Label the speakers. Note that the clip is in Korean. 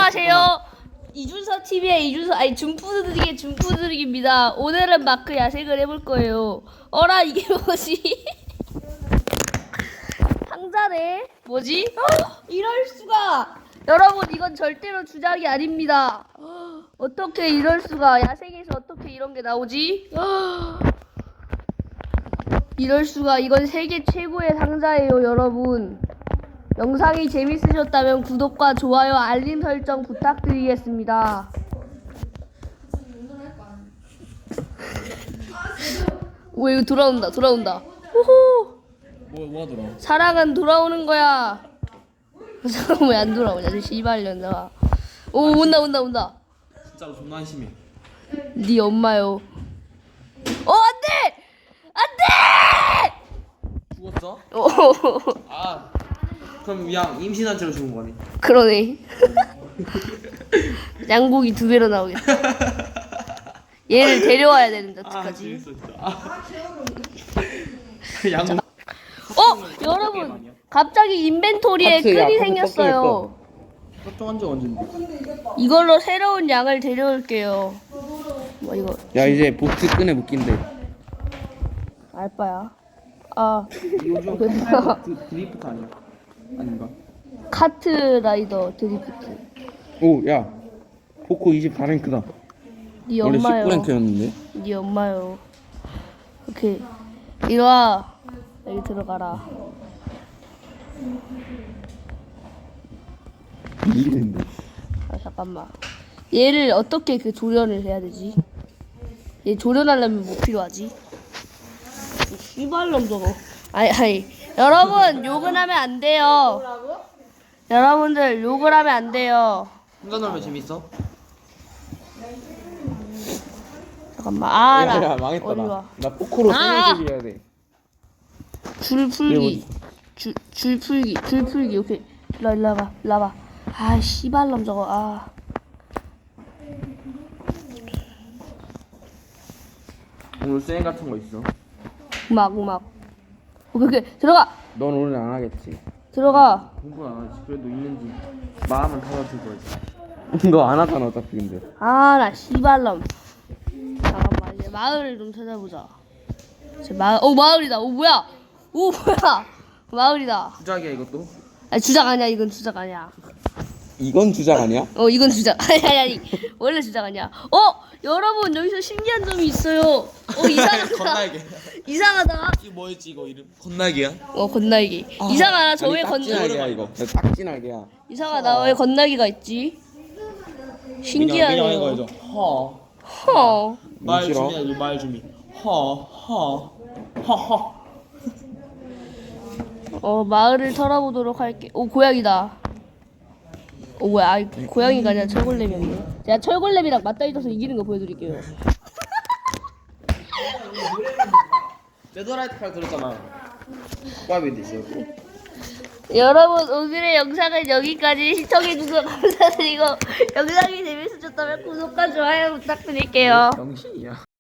Speaker 1: 안녕하세요. 이준서 TV의 준푸드릭의 준푸드릭입니다. 오늘은 마크 야식을 해볼 거예요. 어라 이게 뭐지? 상자네? 뭐지? 이럴 수가! 여러분 이건 절대로 주작이 아닙니다. 어떻게 이럴 수가? 야생에서 어떻게 이런 게 나오지? 이럴 수가! 이건 세계 최고의 상자예요, 여러분. 영상이 재밌으셨다면 구독과 좋아요, 알림 설정 부탁드리겠습니다. 오, 이거 돌아온다. 호호.
Speaker 2: 뭐가 돌아?
Speaker 1: 사랑은 돌아오는 거야. 사람 왜 안 돌아오냐, 저 씨발년아. 오, 온다.
Speaker 2: 진짜로 존나 한심해.
Speaker 1: 네 엄마요. 안돼!
Speaker 2: 죽었어?
Speaker 1: 오,
Speaker 2: 아 그럼 양 임신한 채로 죽은 거네.
Speaker 1: 그러네. 양고기 2배로 나오겠다. 얘를 데려와야 되는데 어떡하지?
Speaker 2: 재밌어 진짜. 양.
Speaker 1: 여러분 갑자기 인벤토리에 끈이 생겼어요.
Speaker 2: 설정한 지 언젠데?
Speaker 1: 이걸로 새로운 양을 데려올게요. 뭐 이거
Speaker 3: 야 이제 보트 끈에 묶인대.
Speaker 1: 알바야.
Speaker 2: 요즘 드리프트 아니야? 아닌가?
Speaker 1: 카트 라이더 드리프트.
Speaker 3: 오야 포코 24랭크다.
Speaker 1: 네
Speaker 3: 원래
Speaker 1: 엄마요.
Speaker 3: 19랭크였는데.
Speaker 1: 네 엄마요. 오케이. 이리 와. 여기 들어가라.
Speaker 3: 밀리는데.
Speaker 1: 잠깐만. 얘를 어떻게 조련을 해야 되지? 얘 조련하려면 뭐 필요하지? 씨발놈 저거. 아니. 여러분 욕은 하면 안 돼요. 여러분들 욕을 하면 안 돼요.
Speaker 2: 혼자 놀면 재밌어?
Speaker 1: 잠깐만.
Speaker 3: 야 망했다
Speaker 1: 어디
Speaker 3: 나.
Speaker 1: 와.
Speaker 3: 나 포코로 생일세기 해야 돼.
Speaker 1: 줄 풀기. 줄 풀기. 오케이. 일로 와봐. 아 씨발놈 저거.
Speaker 2: 오늘 수행 같은 거 있어?
Speaker 1: 음악. 오케이. 들어가.
Speaker 3: 넌 오늘 안 하겠지.
Speaker 1: 들어가.
Speaker 2: 공부 안 하지. 그래도 있는지 마음은 닫아줄 거지.
Speaker 3: 너 안 하잖아 어차피 근데.
Speaker 1: 나 씨발놈. 잠깐만 이제 마을을 좀 찾아보자. 마을이다. 뭐야? 마을이다.
Speaker 2: 주작이야 이것도?
Speaker 1: 주작 아니야. 이건 주작 아니야.
Speaker 3: 이건 주작 아니야?
Speaker 1: 이건 주작. 아니. 원래 주작 아니야. 여러분 여기서 신기한 점이 있어요. 이상하다.
Speaker 2: 건날개.
Speaker 1: 이상하다.
Speaker 2: 이거 뭐였지 이거 이름? 건날개야?
Speaker 1: 건날개. 이상하다. 저 왜
Speaker 3: 딱지날개야 이거. 딱지날개야.
Speaker 1: 이상하다. 왜 건날개가 있지? 신기하네요.
Speaker 2: 그냥 이거 해줘.
Speaker 1: 허.
Speaker 2: 말
Speaker 3: 싫어?
Speaker 2: 준비야 말 준비. 허.
Speaker 1: 마을을 털어보도록 할게. 고양이다. 뭐야? 고양이가 아니라 철골렘이었네. 제가 철골렘이랑 맞닿아 있어서 이기는 거 보여드릴게요.
Speaker 2: 데드라이트 칼 들었잖아. 꽈비도 있어.
Speaker 1: 여러분 오늘의 영상은 여기까지 시청해주셔서 감사드리고 영상이 재밌으셨다면 구독과 좋아요 부탁드릴게요.
Speaker 2: 정신이야.